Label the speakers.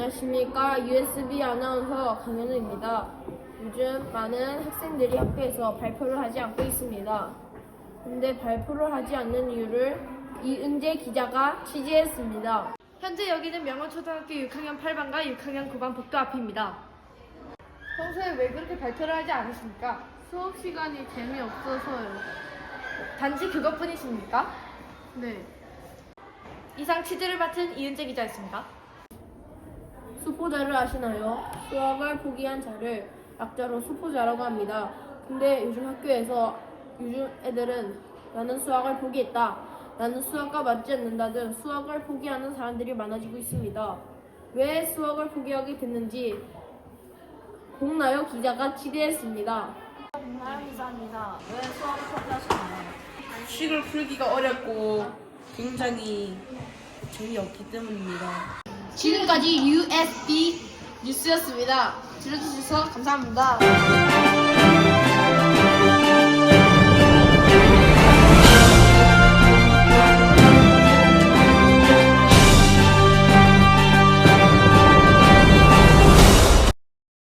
Speaker 1: 안녕하십니까. USB 아나운서 강현우입니다. 요즘 많은 학생들이 학교에서 발표를 하지 않고 있습니다. 근데 발표를 하지 않는 이유를 이은재 기자가 취재했습니다.
Speaker 2: 현재 여기는 명원초등학교 6학년 8반과 6학년 9반 복도 앞입니다. 평소에 왜 그렇게 발표를 하지 않으십니까?
Speaker 1: 수업 시간이 재미없어서요.
Speaker 2: 단지 그것뿐이십니까?
Speaker 1: 네.
Speaker 2: 이상 취재를 맡은 이은재 기자였습니다.
Speaker 1: 수포자를 아시나요? 수학을 포기한 자를 약자로 수포자라고 합니다. 근데 요즘 학교에서 요즘 애들은 나는 수학을 포기했다, 나는 수학과 맞지 않는다 등 수학을 포기하는 사람들이 많아지고 있습니다. 왜 수학을 포기하게 됐는지 공나요 기자가 취재했습니다.
Speaker 3: 나연 기자입니다. 왜 수학을 포기하시나요?
Speaker 4: 식을 풀기가 어렵고 굉장히 재미없기 때문입니다.
Speaker 1: 지금까지 USB 뉴스였습니다. 들어주셔서 감사합니다.